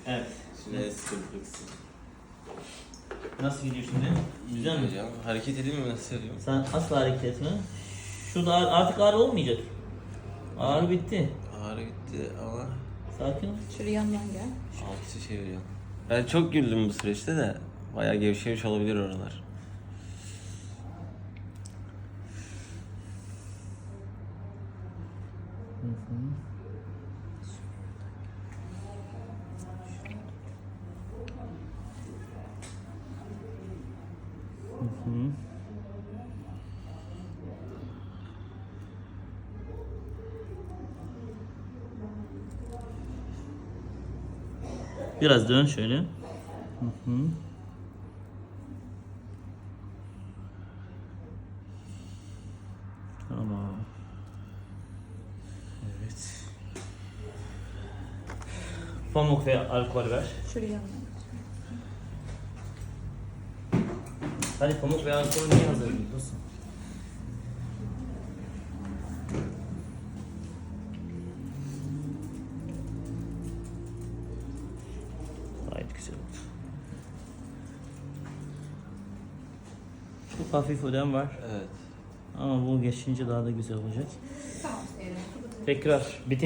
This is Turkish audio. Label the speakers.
Speaker 1: Evet.
Speaker 2: Şimdi el sıkıntısı.
Speaker 1: Nasıl gidiyor şimdi? Güzel mi?
Speaker 2: Hocam hareket edeyim mi, nasıl yapayım?
Speaker 1: Sen asla hareket etme. Şurada artık ağrı olmayacak. Ağrı bitti.
Speaker 2: Ağrı gitti ama
Speaker 1: Sakin ol.
Speaker 3: Şuraya yandan gel.
Speaker 2: altısı çeviriyor. Ben çok güldüm bu süreçte de. Bayağı gevşemiş olabilir oralar.
Speaker 1: Biraz dön şöyle. Hı hı. Tamam. Evet. Pamuk ve alkol ver.
Speaker 3: Şuraya yandan.
Speaker 1: Hadi pamuk ve alkolü niye hazırlıyorsun? Gayet güzel oldu. Çok hafif ödem var.
Speaker 2: Evet.
Speaker 1: Ama bu geçince daha da güzel olacak.
Speaker 3: Tamam.
Speaker 1: Tekrar bitir.